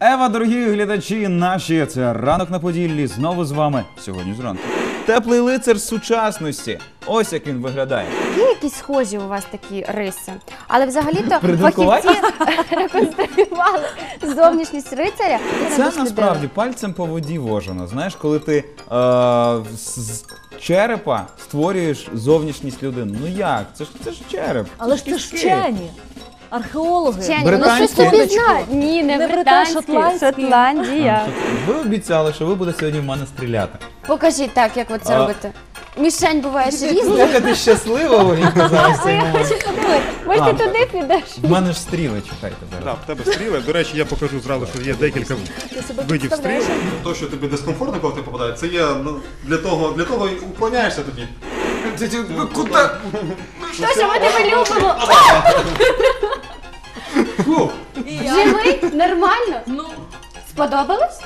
Ева, дорогі глядачі наші, це «Ранок на Поділлі», знову з вами сьогодні зранку. Теплий лицар сучасності. Ось як він виглядає. Є якісь схожі у вас такі риси, але взагалі-то Придуркувати? фахівці реконструювали зовнішність рицаря. Це насправді пальцем по воді вожено. Знаєш, коли ти з черепа створюєш зовнішність людини. Ну як? Це ж череп. Але ж це ж вчені. Археологи. Вчені, Британські? вони щось собі знають. Ні, не британські, шотландські. Шотландія. Ви обіцяли, що ви будете сьогодні в мене стріляти. Покажіть так, як ви це робите. Мішень буває ж різна. Яка ти щаслива, Оліна, зараз в цей Я момент. хочу подивитися. Може, ти туди підеш? В мене ж стріли, чекайте Так, зараз. в тебе стріли. До речі, я покажу зразу, що є декілька видів стріл. То, що тобі дискомфортно, коли ти попадає, це є для того і уклоняєшся тобі. Куди? Тож, ми тебе любимо. Живий? Нормально? Ну, Сподобалось?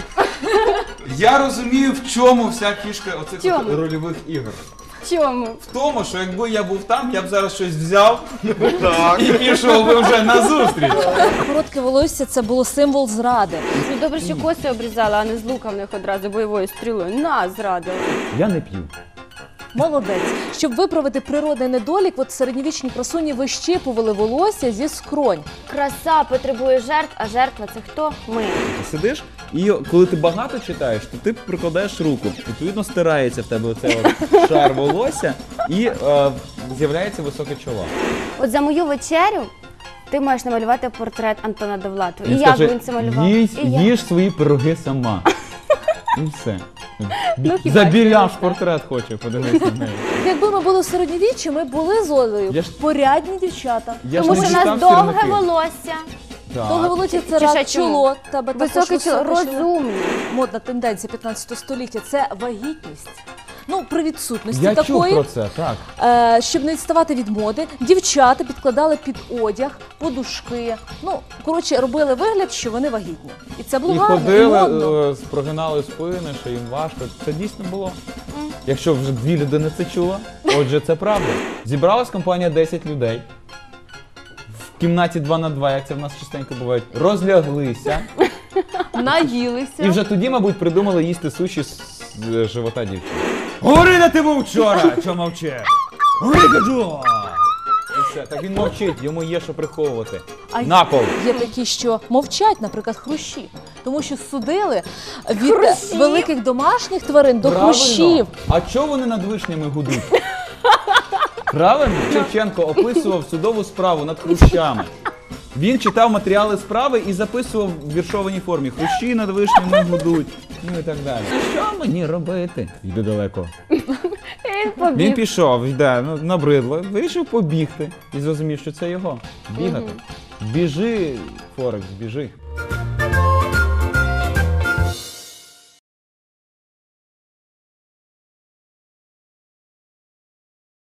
Я розумію, в чому вся фішка оцих чому? от рольових ігор. Чому? В тому, що якби я був там, я б зараз щось взяв і пішов би вже на зустріч. коротке волосся – це було символ зради. Ну добре, що коси обрізала, а не з лука в них одразу бойовою стрілою. На, зрадила. Я не п'ю. Молодець. Щоб виправити природний недолік, от середньовічні красуні вищипували волосся зі скронь. Краса потребує жертв, а жертва це хто? Ми. Ти сидиш, і коли ти багато читаєш, то ти прикладаєш руку. Відповідно, стирається в тебе оцей от шар волосся і з'являється високе чоло. От за мою вечерю ти маєш намалювати портрет Антона Довлатова. І як скаже, він це малював? «Їж- І як? їж свої пироги сама. І все. Ну, хіба Забіляш що? портрет хоче, подивись на неї. Якби ми були в середньовіччі, ми були з Олею Я ж- порядні дівчата. Я ж Тому не що в нас дістав довге сірники. волосся, Так. Довге волосся – це Чи ще рак чому? чоло. Тебе також високе чоло, високе розумні. Модна тенденція 15 століття – це вагітність. Ну, при відсутності Я чув такої, про це, так. щоб не відставати від моди, дівчата підкладали під одяг, подушки. Ну, коротше, робили вигляд, що вони вагітні. І це було І гарно, і ходили, модно. прогинали спини, що їм важко. Це дійсно було. Якщо вже дві людини це чула, отже, це правда. Зібралась компанія 10 людей. В кімнаті 2 на 2, як це в нас частенько буває, розляглися. Наїлися. І вже тоді, мабуть, придумали їсти суші з живота дівчини. Говори, де ти був вчора, що мовче? Говори, кажу! І все, так він мовчить, йому є що приховувати. А На пол! Є такі, що мовчать, наприклад, хрущі. Тому що судили від великих домашніх тварин до Правильно. хрущів. А чого вони над вишнями гудуть? Правильно? Шевченко описував судову справу над хрущами. Він читав матеріали справи і записував в віршованій формі. Хрущі над вишнями гудуть. Ну і так далі. Що мені робити? Йди далеко. Він пішов, йде, ну, набридло, вирішив побігти і зрозумів, що це його. Бігати. Біжи, Форекс, біжи.